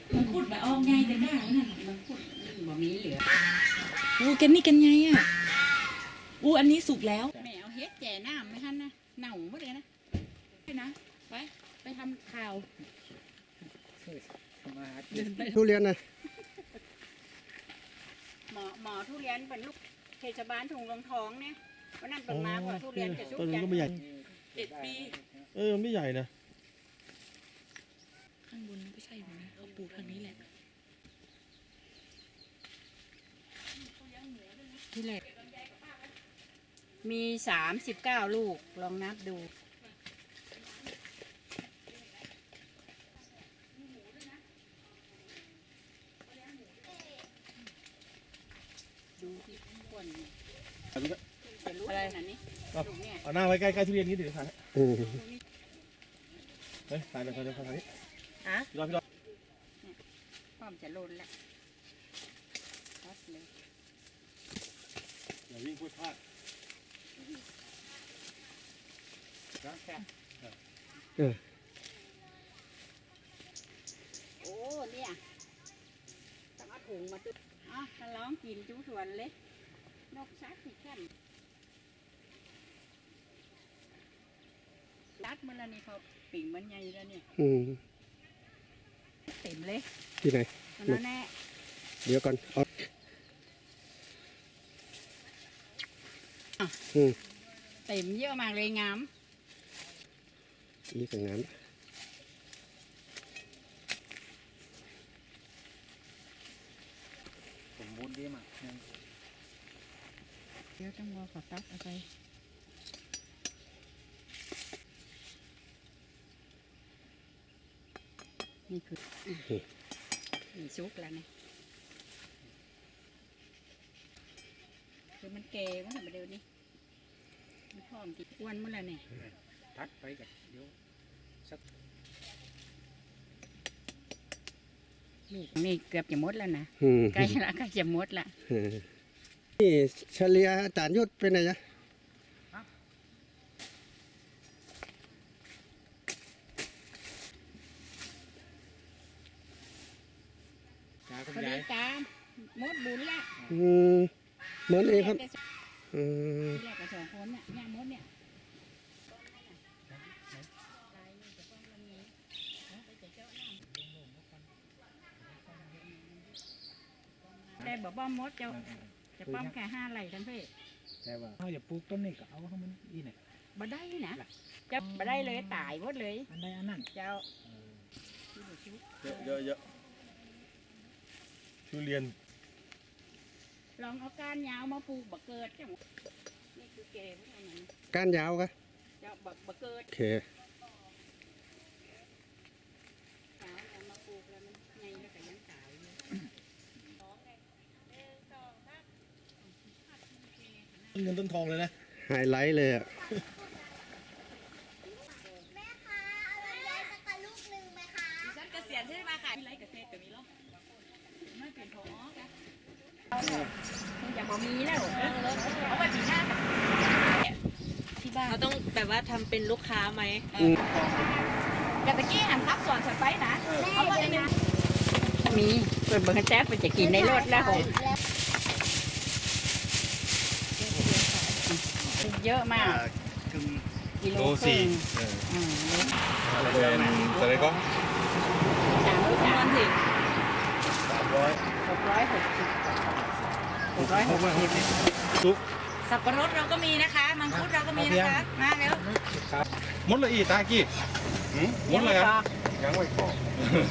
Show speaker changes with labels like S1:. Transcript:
S1: มันพูดแบบออกไงแต่ได้นั่นมันพูดบ่มีเหลือ
S2: อู้กันนี่กันไงอ่ะอู้อันนี้สุกแล้ว
S1: แม่เอาเฮ็ดแจ่น้ำไม่ทันนะเน่าหมดเลยนะไปนะไปทำข่าว
S3: ทุเรียนนะ
S1: หมอทุเรียนเป็นลูกเทศบาลถุงรองทองเนี่ยวันนั้นเป็นมาว่าทุเรียนจะชุบ
S4: ต้น
S1: ยั
S4: นี้
S1: น
S4: ก็ไม่ใหญ่
S2: 1 ปี
S4: มันไม่ใหญ่นะ
S2: ข้างบนไม่ใช่หรอนะเขาปลูกทางนี้แหละ
S1: ที่แรกมี39 ลูกลองนับดูดูที่ก้นจะรู้อะไรนะนี่ลูกเนี่ย
S4: เอาหน้าไว้ใกล้ๆทุเรียนนี้เดี๋ยวถ่าย
S3: อืม
S4: เฮ้ยถ่ายเลยถ่ายเลยถ่ายนี้
S2: ฮะ
S4: พี่รอ
S1: พร้อมจะโลนแล้วตัดเลย
S4: อย่าวิ่งพูดพลาด
S1: โอ้เนี่ยต้องเอาถุงมาตุ้ถ้าร้องกินจุ๊ส่วนเลยนกซักที่แค่รัดมันแล้วนี่เขาปิ่งมันใหญ่แล้วเนี่ย
S3: อืม
S1: เต็มเลย
S3: ที่ไหน
S1: ตอนนั้นแน่
S3: เดี๋ยวก่อนเอาอืม
S1: เต็มเยอะมากเลยงาม
S3: นี่ก็งาม
S4: สมบูรณ์ดีมาก
S1: เดี๋ยวต้องรอขอตัดเอาไปนี่คือมีซุกแล้วเนี่ยคือมันแก่มันทำมาเร็วนี่มันพร้อมติดอ้วนมันแล้วเนี่ย
S4: ทัดไปกันเดี๋ยวสัก
S1: ลูกนี่เกือบจะหมดแล้วนะ
S3: อืม
S1: ใกล้ละใกล้จะหมดละ
S3: นี่เฉลี่ยอาจารย์ยุทธเป็นไงจ๊ะ
S4: จ้าคุณ
S1: พอดี
S4: ยาย
S1: ตามหมดบุญละ
S3: อืมเหมือนเองครับอืม
S1: ที่แรกกับ2 คนน่ะเนี่ยหมดเนี่ยแต่บอกป้อมมดจะป้อมแค่5 ไร่ทั้งเพศ
S4: แต่ว่าเขาอย่าปลูกต้นนี้ก็เอาให้มันอีเนี่ย
S1: บ่ได้นะจะบ่ได้เลยตายหมดเลย
S4: อันใดอันนั้น
S1: เจ้า
S4: เยอะทุเรียน
S1: ลองเอาก้านยาวมาปลูกบะเกิดจ้ะนี่คือเกมอันนั้น
S3: ก้านยาวกะ
S1: เจ้าบะเกิด
S3: โอเค
S1: สาวเอามาปลูกแล้วมันไงแล้วก็ยังตายอยู่
S4: ต้นเงินต้นทองเลยนะ
S3: ไฮไลท์เลยอ่ะ
S2: ฉันเกษียณใช่ไหมค่ะมีไรเกษตรก็มีหรอไม่เปลี่ยนพอค่ะ
S1: มันจะบ่มีแล้ว
S2: เอาไว้ปีหน้าที่บ้านเราต้องแบบว่าทำเป็นลูกค้าไหมแต่ตะกี้หันทับส่วนฉันไปนะเอาไว้ใน
S1: มีเปิดเบอร์แจ๊บมันจะกินในรถแล้วเยอะมากกิโลครึ่ง
S4: เป็นอะไรก็
S2: มันสิ
S1: 660
S4: ซุป
S2: สับปะรดเราก็มีนะคะมังคุดเราก็มีนะคะมาเร็ว
S4: มดเลยอีตากี้มดเลยครับยังไม่พอ